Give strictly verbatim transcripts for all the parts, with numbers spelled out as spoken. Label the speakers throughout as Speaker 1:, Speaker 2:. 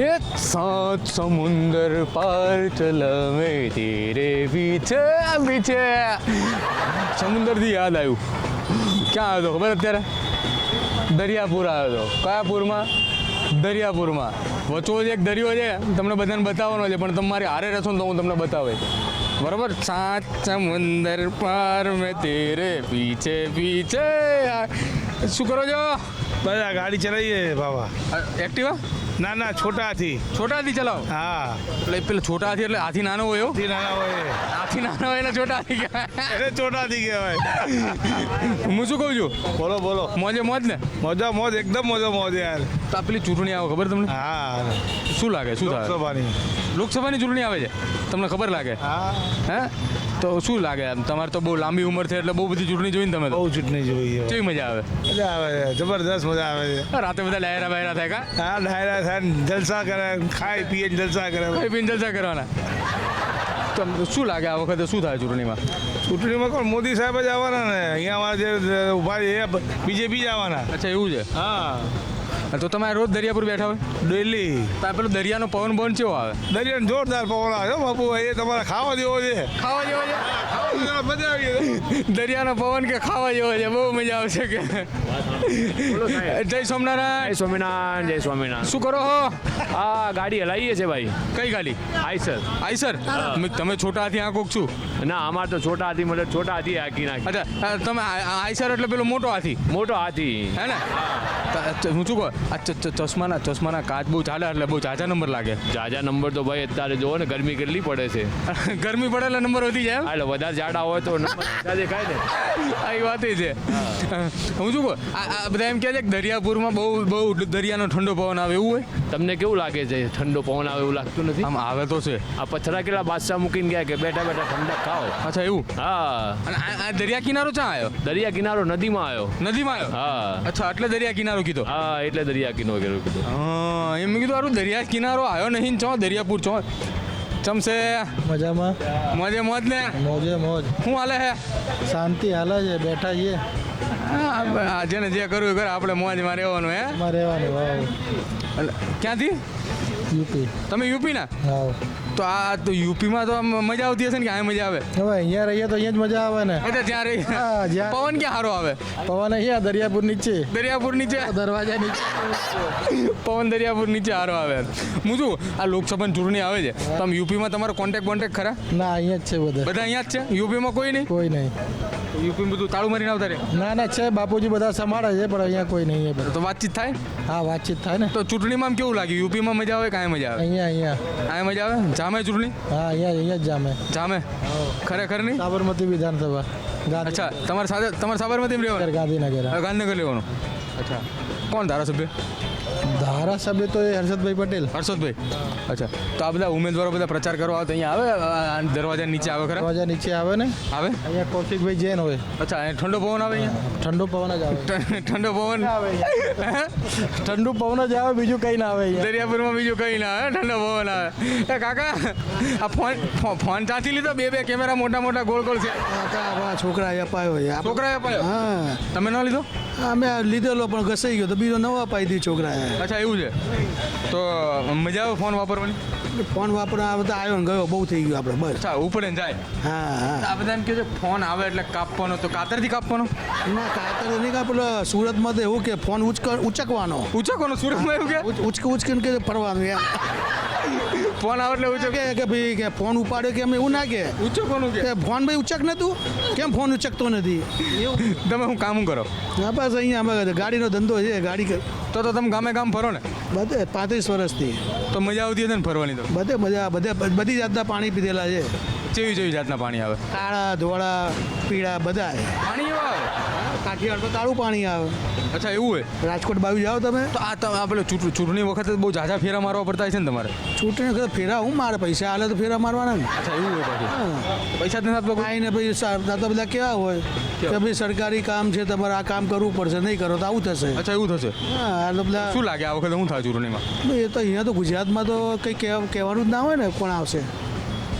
Speaker 1: ये सात समुंदर पार चला मैं तेरे पीछे पीछे સમુદ્રથી યાદ આવ્યું ક્યાં આવ્યો હતો ખબર અત્યારે દરિયાપુર આવ્યો હતો કયા પૂરમાં દરિયાપુરમાં વચો જ એક દરિયો છે તમને બધાને બતાવવાનો છે પણ તમારે હારે રહેશો ને તો હું તમને બતાવે બરાબર સાત સમુંદર પાર મેં તેરે પીછે પીછે શું કરો છો
Speaker 2: બધા ગાડી ચલાવીએ બાબા
Speaker 1: એક્ટિવા
Speaker 2: ના ના છોટા હાથી
Speaker 1: છોટા હાથી ચલાવો
Speaker 2: હા
Speaker 1: એટલે પેલો છોટા હાથી એટલે હાથી નાનો હોય એવો?
Speaker 2: હાથી નાના હોય
Speaker 1: હાથી નાનો હોય એટલે છોટા હાથી કહેવાય
Speaker 2: એટલે છોટા હાથી કહેવાય.
Speaker 1: હું શું કહું છું
Speaker 2: બોલો બોલો
Speaker 1: મોજે મોજ ને
Speaker 2: મોજા મોજ એકદમ મોજા મોજ યાર.
Speaker 1: તો આ પેલી ચૂંટણી આવે ખબર તમને
Speaker 2: હા
Speaker 1: શું લાગે શું થાય
Speaker 2: લોકસભાની
Speaker 1: લોકસભાની ચૂંટણી આવે છે તમને ખબર લાગે
Speaker 2: હા
Speaker 1: હે તો શું લાગે આમ તમારે તો બહુ લાંબી ઉંમર છે એટલે બહુ બધી ચૂંટણી જોઈને તમે તો
Speaker 2: બહુ ચૂંટણી જોઈએ
Speaker 1: કેવી મજા આવે
Speaker 2: મજા આવે છે જબરદસ્ત મજા આવે છે.
Speaker 1: રાતે બધા ડાયરા બાયરા થાય કા
Speaker 2: હા ડાયરા થાય ને જલસા કરે ખાઈ પીએ ને જલસા કરે.
Speaker 1: કઈ પીને જલસા કરવાના તો શું લાગે આ વખતે શું થાય ચૂંટણીમાં
Speaker 2: ચૂંટણીમાં કોણ મોદી સાહેબ જ આવવાના ને અહીંયા અમારા જે ઉભા છે એ બીજેપી જ આવવાના.
Speaker 1: અચ્છા એવું છે
Speaker 2: હા
Speaker 1: તો તમે રોજ દરિયાપુર બેઠા હોય
Speaker 2: ડેલી
Speaker 1: તો આ પેલો દરિયાનો પવન પવન કેવો આવે
Speaker 2: દરિયાનો જોરદાર પવન આવે હો બાપુ એ તમારે ખાવા જેવો છે.
Speaker 1: ખાવા જેવો છે
Speaker 2: મજા આવી ગઈ.
Speaker 1: દરિયાનો પવન કે ખાવા જેવો છે બહુ મજા આવશે કે જય સોમનારાયણ
Speaker 3: જય સ્વામિનારાયણ જય સ્વામિનારાયણ.
Speaker 1: શું કરો હો
Speaker 3: આ ગાડી હલાવીએ છે ભાઈ
Speaker 1: કઈ ગાડી
Speaker 3: આઈસર.
Speaker 1: આઈ સર તમે છોટા હાથી આંકોક છું
Speaker 3: ના અમાર તો છોટા હાથી મતલબ છોટા હાથી હાકી નાખી.
Speaker 1: અચ્છા અ, તમે આઈ સર એટલે પેલો મોટો હાથી
Speaker 3: મોટો હાથી.
Speaker 1: હે ને ત- ત- હું શું કહું આ ચ- ચ- ચશ્માના ચશ્માના કાચ બહુ ચાલે એટલે બહુ ઝાઝા નંબર લાગે
Speaker 3: જાજા નંબર તો ભાઈ અત્યારે જોવો ને ગરમી કેટલી પડે છે.
Speaker 1: ગરમી પડે એટલે નંબર વધી જાય એમ?
Speaker 3: એટલે વધારે જાડા હોય તો નંબર ઝાઝા દેખાય ને.
Speaker 1: આ એ વાત છે હું શું કહું આ આ બધા એમ કહે છે કે દરિયાપુરમાં બહુ બહુ દરિયાનો ઠંડો પવન આવે એવું હોય
Speaker 3: તમને કેવું લાગે છે ઠંડો પવન આવે એવું લાગતું નથી?
Speaker 1: આમ આવે તો છે
Speaker 3: આ પથરા કેટલા બાદશાહ મૂકીને ગયા કે બેઠા બેઠા ઠંડક ખાઓ.
Speaker 1: અચ્છા એવું
Speaker 3: હા
Speaker 1: અને આ આ દરિયા કિનારો ક્યાં આવ્યો
Speaker 3: દરિયા કિનારો નદીમાં આવ્યો.
Speaker 1: નદીમાં આવ્યો
Speaker 3: હા
Speaker 1: અચ્છા એટલે દરિયા કિનારો કીધો
Speaker 3: હા એટલે દરિયા કિનારો કીધું.
Speaker 1: હા એમ મેં કીધું આરું દરિયા કિનારો આવ્યો નહીં ચો દરિયાપુર ચો ચમસે
Speaker 4: મજામાં
Speaker 1: મોજે મોજ ને
Speaker 4: મોજે મોજ
Speaker 1: શું હાલે હે
Speaker 4: શાંતિ હાલે છે બેઠા છીએ
Speaker 1: હા જેને જે કરવું એ કરે આપણે મોજમાં રહેવાનું હે
Speaker 4: એમાં રહેવાનું વાવ
Speaker 1: એટલે ક્યાંથી
Speaker 4: યુપી
Speaker 1: તમે યુપીના
Speaker 4: વાવ
Speaker 1: તો આ તો યુપીમાં તો આમ મજા આવતી હશે ને કે આ મજા આવે
Speaker 4: હવે અહીંયા રહીએ તો અહીંયા જ મજા આવે ને
Speaker 1: એટલે ત્યાં રહી
Speaker 4: હા, જ્યાં-
Speaker 1: પવન ક્યાં સારો આવે
Speaker 4: પવન અહીંયા દરિયાપુર નીચે
Speaker 1: દરિયાપુર નીચે
Speaker 4: દરવાજા નીચે
Speaker 1: પવન દરિયાપુર નીચે સારો આવે હું શું આ લોકસભાની ચૂંટણી આવે છે તો આમ યુપીમાં તમારો કોન્ટેક્ટ કોન્ટેક્ટ ખરા
Speaker 4: ના અહીંયા જ છે બધા
Speaker 1: બધા અહીંયા જ છે યુપીમાં કોઈ નહીં
Speaker 4: કોઈ નહીં
Speaker 1: યુપીમાં બધું તાળું મારીને આવતા રહે
Speaker 4: ના ના છે બાપુજી બધા સંભાળે છે પણ અહીંયા કોઈ નહીં એ
Speaker 1: તો વાતચીત થાય
Speaker 4: હા વાતચીત થાય ને
Speaker 1: તો ચૂંટણીમાં આમ કેવું લાગ્યું યુપીમાં મજા આવે કાંઈ મજા આવે
Speaker 4: અહીંયા અહીંયા
Speaker 1: કાંઈ મજા આવે જામે ચૂંટણી
Speaker 4: હા અહીંયા અહીંયા જ જામે
Speaker 1: જામે ખરેખર નહીં
Speaker 4: સાબરમતી વિધાનસભા ગાંધી
Speaker 1: અચ્છા તમારે સાથે તમારે સાબરમતીમાં રહેવાનું
Speaker 4: ગાંધીનગર હા.
Speaker 1: હવે ગાંધીનગર લેવાનું અચ્છા કોણ ધારાસભ્ય
Speaker 4: ધારાસભ્ય તો એ હર્ષદભાઈ પટેલ
Speaker 1: હર્ષદભાઈ અચ્છા તો આ બધા ઉમેદવારો બધા પ્રચાર કરવા આવે તો અહીંયા આવે આ દરવાજા નીચે આવે ખરા
Speaker 4: દરવાજા નીચે આવે ને
Speaker 1: આવે
Speaker 4: અહીંયા કૌશિકભાઈ જૈન હોય
Speaker 1: અચ્છા અહીંયા ઠંડો પવન આવે અહીંયા
Speaker 4: ઠંડુ પવન જ આવે
Speaker 1: ઠંડો પવન
Speaker 4: ઠંડુ પવન જ આવે બીજું કંઈ ના આવે અહીંયા
Speaker 1: દરિયાપુરમાં બીજું કંઈ ના આવે ઠંડો પવન આવે એ કાકા આ ફોન ફો- ફોન ચાથી લીધો બે બે કેમેરા મોટા મોટા ગોળ ગોળ છે
Speaker 4: આપણા છોકરા અપાયો છે
Speaker 1: છોકરાએ અપાયો
Speaker 4: હા
Speaker 1: તમે ન લીધો
Speaker 4: અમે લીધેલો પણ ઘસાઈ ગયો તો બીજો નવો અપાઈ દી છોકરાએ
Speaker 1: અચ્છા એવું છે તો મજા આવે ફોન વાપરવાની
Speaker 4: ફોન વાપરવા આવે તો આવ્યો ને ગયો બહુ થઈ ગયું આપણે બસ
Speaker 1: અચ્છા ઉપડે ને જાય
Speaker 4: હા હા
Speaker 1: આ બધા એમ કહે છે ફોન આવે એટલે કાપવાનો તો કાતરથી કાપવાનો
Speaker 4: ના કાતર નહીં કા પેલો સુરતમાં તો એવું કે ફોન ઉચક ઉચકવાનો
Speaker 1: ઉચકવાનો સુરતમાં એવું કે
Speaker 4: ઉચ- ઉચક ઉચકીને કે ફરવાનું એમ
Speaker 1: ફોન આવે એટલે ઉચક
Speaker 4: કે કે ભાઈ કે ફોન ઉપાડ્યો કે એમ એવું ના કે
Speaker 1: ઉચકવાનું કે
Speaker 4: કે ફોન ભાઈ ઉચક ને તું કેમ ફોન ઉચકતો નથી એવું
Speaker 1: તમે હું કામ કરો
Speaker 4: હા બસ અહીંયા અમે ગાડીનો ધંધો છે ગાડી કર-
Speaker 1: તો તો તમે ગામે ગામ ફરો ને
Speaker 4: બધે પાંત્રીસ વર્ષથી
Speaker 1: તો મજા આવતી હશે ને ફરવાની તો
Speaker 4: બધે મજા બધે બધી જાતના પાણી પીધેલા છે
Speaker 1: કેવી કેવી જાતના પાણી આવે
Speaker 4: કાળા ધોળા પીળા બધા
Speaker 1: પાણી એવા આવે
Speaker 4: કાઠિયાવાડ તો તાળું પાણી આવે
Speaker 1: અચ્છા એવું હોય
Speaker 4: રાજકોટ બાજુ જાઓ તમે
Speaker 1: તો આ તમે આ પેલો ચૂંટ- ચૂંટણી વખતે બહુ ઝાઝા ફેરા મારવા પડતા હોય છે ને તમારે
Speaker 4: ચૂંટણી વખતે ફેરા હું મારે પૈસા હાલે તો ફેરા મારવાના ને
Speaker 1: અચ્છા એવું હોય પાછું
Speaker 4: હા.
Speaker 1: પૈસા જ નથી આપતો કોઈ?
Speaker 4: આઈને ભાઈ સા- આ તો બધા કેવા હોય કે ભાઈ સરકારી કામ છે તમારે આ કામ કરવું પડશે નહીં કરો તો આવું થશે
Speaker 1: અચ્છા એવું થશે
Speaker 4: હા આ તો બધા
Speaker 1: શું લાગે આ વખતે શું થાય ચૂંટણીમાં
Speaker 4: એ તો અહીંયા તો ગુજરાતમાં તો કંઈ કહેવા કહેવાનું જ ના હોય ને કોણ આવશે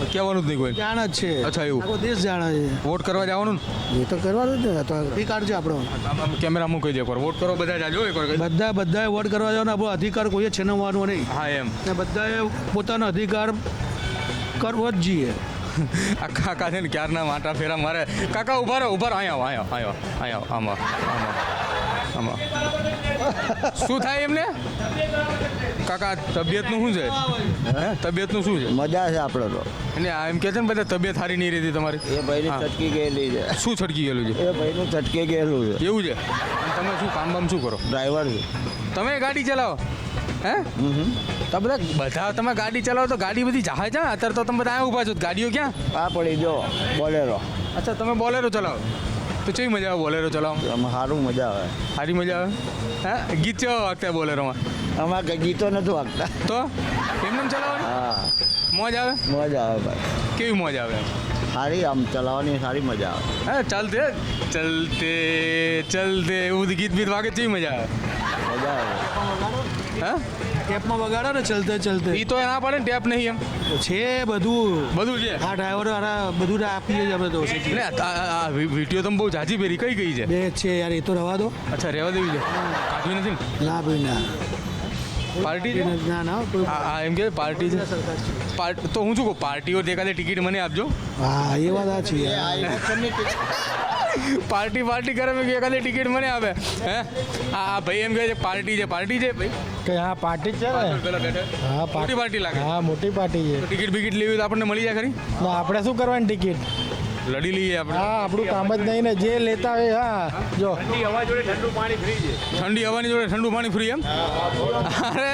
Speaker 1: કહેવાનું જ નહીં કોઈ.
Speaker 4: જાણ જ છે.
Speaker 1: અચ્છા, એવું.
Speaker 4: આખો દેશ જાણે છે.
Speaker 1: વોટ કરવા જવાનું ને
Speaker 4: એ તો કરવાનું જ ને. તો અધિકાર છે આપણો.
Speaker 1: આમ આમ કેમેરામાં કહી દે એકવાર વોટ કરો બધા જાજો એકવાર કહી દે.
Speaker 4: બધા બધાએ વોટ કરવા જવાનો આપણો અધિકાર કોઈએ છીનવવાનો નહીં.
Speaker 1: હા એમ.
Speaker 4: ને બધાએ પોતાનો અધિકાર કરવો જ જોઈએ.
Speaker 1: આ કાકા છે ને ક્યારના માટા ફેરા મારે. કાકા ઉભા રહો ઉભા રહો અહીંયા આવો અહીંયા આવો અહીંયા આવો આમાં આમાં શું થાય એમને કાકા તબિયતનું શું છે હે તબિયતનું શું છે
Speaker 5: મજા છે આપણે તો
Speaker 1: અને આ એમ કહે છે ને બધા તબિયત સારી નહીં રહેતી તમારી
Speaker 5: એ ભાઈની
Speaker 1: હા.
Speaker 5: છટકી ગયેલી છે
Speaker 1: શું છટકી ગયેલું છે
Speaker 5: એ ભાઈનું છટકી ગયેલું છે
Speaker 1: એવું છે અને તમે શું કામ બામ શું કરો
Speaker 5: ડ્રાઈવર છે
Speaker 1: તમે ગાડી ચલાવો હે તો બધા બધા તમે ગાડી ચલાવો તો ગાડી બધી જહાજ છે અત્યારે તો તમે બધા અહીંયા ઊભા છો તો ગાડીઓ ક્યાં
Speaker 5: આ પડી જો બોલેરો
Speaker 1: અચ્છા તમે બોલેરો ચલાવો તો કેવી મજા આવે બોલેરો ચલાવો
Speaker 5: આમાં સારું મજા આવે
Speaker 1: સારી મજા આવે હા ગીત કેવા વાગતા બોલેરોમાં
Speaker 5: આમાં કંઈ ગીતો નથી વાગતા
Speaker 1: તો એમને ચલાવવાની
Speaker 5: હા
Speaker 1: મોજ આવે
Speaker 5: મજા આવે ભાઈ
Speaker 1: કેવી મોજ આવે
Speaker 5: સારી આમ ચલાવવાની સારી મજા આવે
Speaker 1: હા ચાલતે ચલતે ચલતે એવું બધું ગીત બીત વાગે કેવી મજા આવે
Speaker 5: મજા આવે
Speaker 1: હા
Speaker 4: ટેપમાં વગાડો ને ચલતે ચલતે.
Speaker 1: એ તો ના પડે ને ટેપ નહીં એમ
Speaker 4: છે બધું.
Speaker 1: બધું છે
Speaker 4: આ ડ્રાઈવરો હારા બધું આપીએ જ અમે તો.
Speaker 1: ને આ- આ આ વિડીયો તમે બહુ જાજી પહેરી કઈ ગઈ છે
Speaker 4: બે જ છે યાર, એ તો રવા દો.
Speaker 1: અચ્છા રહેવા દેવી છે કાઢવી નથી ને
Speaker 4: ના ભાઈ ના.
Speaker 1: પાર્ટી છે
Speaker 4: ના ના કોઈ-
Speaker 1: આ આ એમ કે પાર્ટી છે પાર્ટ તો હું શું કહું પાર્ટીઓ એકાદે ટિકિટ મને આપજો
Speaker 4: હા એ વાત આ છે
Speaker 1: પાર્ટી પાર્ટી કરે મેં એકાદે ટિકિટ મને આપે હે આ આ ભાઈ એમ કહે છે પાર્ટી છે પાર્ટી છે ભાઈ
Speaker 6: કે હા પાર્ટી જ છે ને
Speaker 1: પેલા બેઠા
Speaker 6: હા
Speaker 1: મોટી
Speaker 6: પાર્ટી
Speaker 1: પાર્ટી લાગે
Speaker 6: હા મોટી પાર્ટી છે
Speaker 1: તો ટિકિટ બિકિટ લેવી હોય તો આપણને મળી જાય ખરી
Speaker 6: તો આપણે શું કરવાની ટિકિટ
Speaker 1: લડી લઈએ આપણે
Speaker 6: હા આપણું કામ જ નહીં ને જે લેતા હોય હા જો
Speaker 3: ઠંડી હવા જોડે ઠંડુ પાણી ફ્રી છે
Speaker 1: ઠંડી હવાની જોડે ઠંડુ પાણી ફ્રી એમ અરે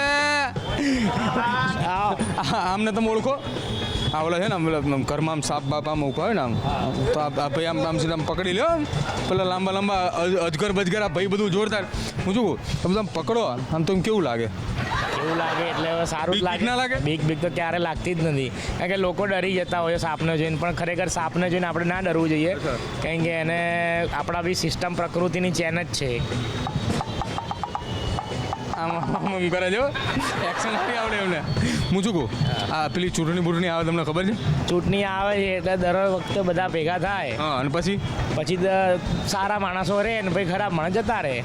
Speaker 1: આ- આ- આમને તમે ઓળખો આ ઓલા છે ને આમ પેલા આમ ઘરમાં આમ સાપ બાપ આમ ઉભા હોય ને આમ તો આ આ ભાઈ આમ આમ સીધા આમ પકડી લ્યો આમ. પેલા લાંબા લાંબા અજ- અજગર બજગર આ ભાઈ બધું જોરદાર હું શું કહું તમે આમ પકડો આમ તો એમ કેવું લાગે
Speaker 7: એવું લાગે એટલે હવે સારું
Speaker 1: બીક
Speaker 7: જ
Speaker 1: બીક ના લાગે?
Speaker 7: લાગે બીક બીક તો ક્યારે લાગતી જ નથી કારણ કે લોકો ડરી જતા હોય સાપને જોઈને પણ ખરેખર સાપને જોઈને આપણે ના ડરવું જોઈએ કારણ કે એને આપણા બી સિસ્ટમ પ્રકૃતિની ચેન જ છે
Speaker 1: આમ આમ આમ કરે જો એક્શન નથી આવડે એમને હું શું કહું આ પેલી ચૂંટણી બૂંટણી આવે તમને ખબર છે
Speaker 7: ચૂંટણી આવે છે એટલે દર વખતે બધા ભેગા થાય
Speaker 1: હા અને પછી
Speaker 7: પછી દ- સારા માણસો રહે ને પછી ખરાબ માણસ જતા રહે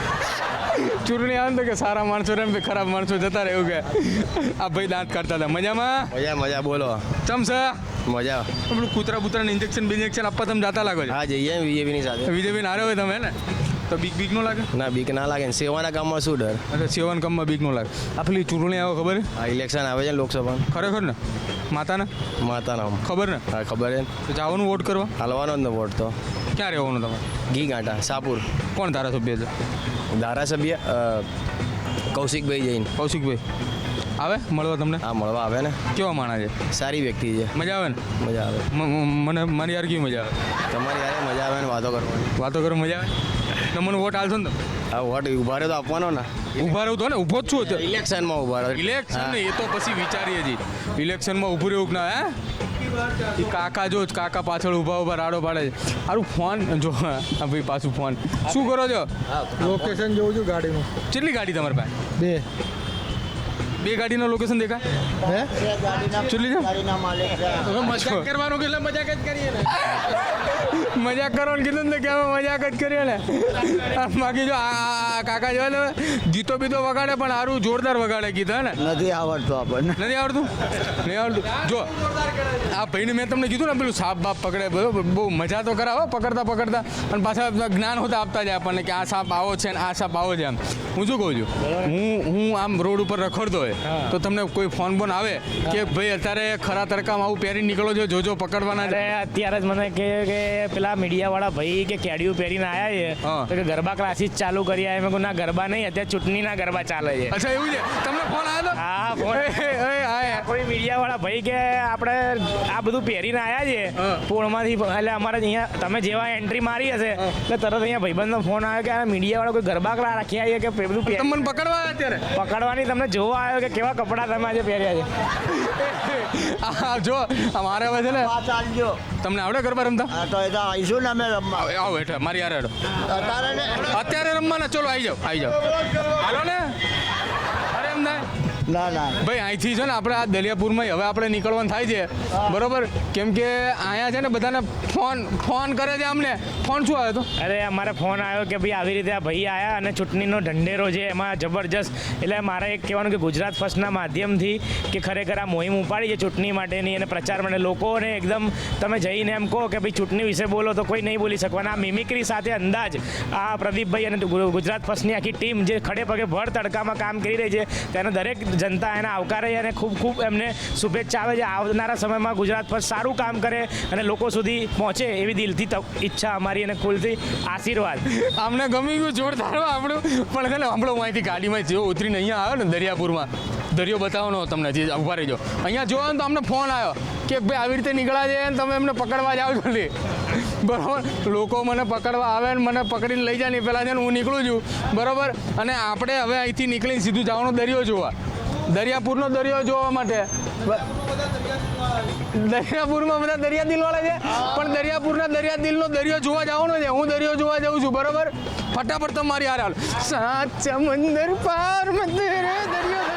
Speaker 1: ચૂંટણી આવે ને તો કે સારા માણસો રહે ને ખરાબ માણસો જતા રહે એવું કે આ ભાઈ દાંત કાઢતા હતા મજામાં
Speaker 8: મજા મજા બોલો
Speaker 1: ચમસા
Speaker 8: મજા
Speaker 1: પેલું કૂતરા બૂતરાને ઇન્જેક્શન બિન્જેક્શન આપવા તમે જાતા લાગો છો
Speaker 8: હા જઈએ બીજેપીની સાથે
Speaker 1: વિજયભાઈ હારે હોય તમે ને તો બીક બીક નો લાગે
Speaker 8: ના બીક ના લાગે ને સેવાના કામમાં શું ડર
Speaker 1: અચ્છા સેવન કમમાં બીક નો લાગે આ પેલી ચૂંટણી આવે ખબર છે
Speaker 8: આ ઇલેક્શન આવે છે ને લોકસભા
Speaker 1: ખરેખર ને માતાને
Speaker 8: માતાના
Speaker 1: ખબર ને
Speaker 8: હા ખબર છે ને
Speaker 1: તો જવાનું વોટ કરવા
Speaker 8: હાલવાનો જ ને વોટ તો
Speaker 1: ક્યાં રહેવાનું તમારે
Speaker 8: ઘી ગાંઠા સાપુર
Speaker 1: કોણ ધારાસભ્ય છે
Speaker 8: ધારાસભ્ય અ, કૌશિકભાઈ જૈન
Speaker 1: કૌશિકભાઈ આવે મળવા તમને
Speaker 8: હા મળવા આવે ને
Speaker 1: કેવા માણા છે
Speaker 8: સારી વ્યક્તિ છે
Speaker 1: મજા આવે ને
Speaker 8: મજા આવે
Speaker 1: મ- મ- મને મારી યાર કેવી મજા આવે
Speaker 8: તમારી યારે મજા આવે ને વાતો કરવાની
Speaker 1: વાતો કરો મજા આવે તો મને વોટ આલશો ને તમે
Speaker 8: હા વોટ ઉભા રહ્યો તો આપવાનો ને
Speaker 1: ઊભા રહું તો ને ઊભો જ છું અત્યારે
Speaker 8: ઇલેક્શનમાં ઉભા રહ્યો
Speaker 1: ઇલેક્શન ને એ તો પછી વિચારીએ છીએ ઇલેક્શનમાં ઊભું રહેવું કે ના હે એ કાકા જો જ કાકા પાછળ ઊભા ઊભા રાડો પાડે છે સારું ફોન જો આ ભાઈ પાછું ફોન શું કરો છો
Speaker 6: લોકેશન જોઉં છું ગાડીનું
Speaker 1: કેટલી ગાડી તમારી પાસે
Speaker 6: બે
Speaker 1: બે ગાડીનો લોકેશન દેખાય
Speaker 6: હે
Speaker 1: કેટલી છે
Speaker 6: મજાક કરવાનું કે એટલે મજાક જ કરીએ ને
Speaker 1: મજાક કરવાનું કીધું ને કે અમે મજાક જ કરીએ ને આ બાકી જો આ આ- આ કાકા જો ને ગીતો બીતો વગાડે પણ સારું જોરદાર વગાડે ગીત હે ને
Speaker 5: નથી આવડતું આપણને
Speaker 1: નથી આવડતું નહીં આવડતું જો આ ભાઈને મેં તમને કીધું ને પેલું સાપ બાપ પકડે બરોબર બહુ મજા તો કરાવો પકડતા પકડતા અને પાછા જ્ઞાન હોતા આપતા જાય આપણને કે આ સાપ આવો છે ને આ સાપ આવો છે એમ હું શું કહું છું હું હું આમ રોડ ઉપર રખડતો હોય તો તમને કોઈ ફોન બોન આવે કે ભાઈ અત્યારે ખરા તરકામાં આવું પહેરી નીકળો છો જોજો પકડવાના
Speaker 7: અરે
Speaker 1: છે
Speaker 7: અત્યારે જ મને કે કે પેલા મીડિયાવાળા ભાઈ કે કેડિયું પહેરીને આવ્યા છે
Speaker 1: હા.
Speaker 7: તો કે ગરબા ક્લાસીસ ચાલુ કરી આવ્યા મેં કહ્યું ના ગરબા નહીં અત્યારે ચૂંટણીના ગરબા ચાલે છે
Speaker 1: અચ્છા એવું છે તમને ફોન આવ્યો
Speaker 7: હા
Speaker 1: તો
Speaker 7: ફોન
Speaker 1: એ, એ, એ, આ,
Speaker 7: કોઈ મીડિયાવાળા ભાઈ કે આપણે આ બધું પહેરીને આવ્યા છે
Speaker 1: હા.
Speaker 7: પોળમાંથી એટલે અમારે અહીંયા તમે જેવા એન્ટ્રી મારી હશે એટલે તરત અહીંયા ભાઈબંધનો ફોન આવ્યો કે આ મીડિયાવાળા કોઈ ગરબા ક્લા રાખ્યા છે કે બધું પહેરી-
Speaker 1: તમને પકડવા આવ્યા અત્યારે
Speaker 7: પકડવાની તમને જોવા આવ્યો કે કેવા કપડાં તમે આજે પહેર્યા છે
Speaker 1: આ જો અમારે હવે છે ને
Speaker 5: ચાલજો
Speaker 1: તમને આવડે ગરબા રમતા
Speaker 5: હા તો એ તો આવીશું ને અમે રમવા
Speaker 1: આવો આવો હેઠળ મારી યાર હેઠળ
Speaker 5: અત્યારે ને
Speaker 1: અત્યારે રમવાના ચલો આવી જાઓ આવી જાઓ હાલો ને અરે એમ ના
Speaker 5: ના ના
Speaker 1: ભાઈ અહીંથી છે ને આપણે આ દલિયાપુરમાં હવે આપણે નીકળવાનું થાય છે બરોબર કેમ કે અહીંયા છે ને બધાને ફોન ફોન કરે છે અમને ફોન શું આવ્યો હતો
Speaker 7: અરે અમારે ફોન આવ્યો કે ભાઈ આવી રીતે આ ભાઈ આવ્યા અને ચૂંટણીનો ઢંઢેરો છે એમાં જબરજસ્ત એટલે મારે એક કહેવાનું કે ગુજરાત ફર્સ્ટના માધ્યમથી કે ખરેખર આ મોહિમ ઉપાડી છે ચૂંટણી માટેની અને પ્રચાર માટે લોકોને એકદમ તમે જઈને એમ કહો કે ભાઈ ચૂંટણી વિશે બોલો તો કોઈ નહીં બોલી શકવાના આ મિમિક્રી સાથે અંદાજ આ પ્રદીપભાઈ અને ગુજરાત ફર્સ્ટની આખી ટીમ જે ખડે પગે ભર તડકામાં કામ કરી રહી છે તેને દરેક જનતા એને આવકારે છે અને ખૂબ ખૂબ એમને શુભેચ્છા આવે છે આવનારા સમયમાં ગુજરાત ફર્સ્ટ સારું કામ કરે અને લોકો સુધી પહોંચે એવી દિલથી ઈચ્છા અમારી અને ખુલથી આશીર્વાદ
Speaker 1: અમને ગમી ગયું જોરદાર આપણું પણ છે ને હમણાં હું અહીંથી ગાડીમાં જેવો ઉતરીને અહીંયા આવ્યો ને દરિયાપુરમાં દરિયો બતાવવાનો તમને જે ઉભા રહીજો અહીંયા જોયો ને તો અમને ફોન આવ્યો કે ભાઈ આવી રીતે નીકળ્યા છે ને તમે એમને પકડવા જાઓ જલ્દી બરાબર લોકો મને પકડવા આવે ને મને પકડીને લઈ જાય ને પહેલાં છે ને હું નીકળું છું બરાબર અને આપણે હવે અહીંથી નીકળીને સીધું જવાનો દરિયો જોવા દરિયાપુરનો દરિયો જોવા માટે દરિયાપુરમાં બધા દરિયા દિલવાળા છે પણ દરિયાપુરના દરિયા દિલનો દરિયો જોવા જવાનો છે હું દરિયો જોવા જાઉં છું બરાબર ફટાફટ તમારી હારે હાલ સાત સમંદર પાર મેં તેરે દરિયો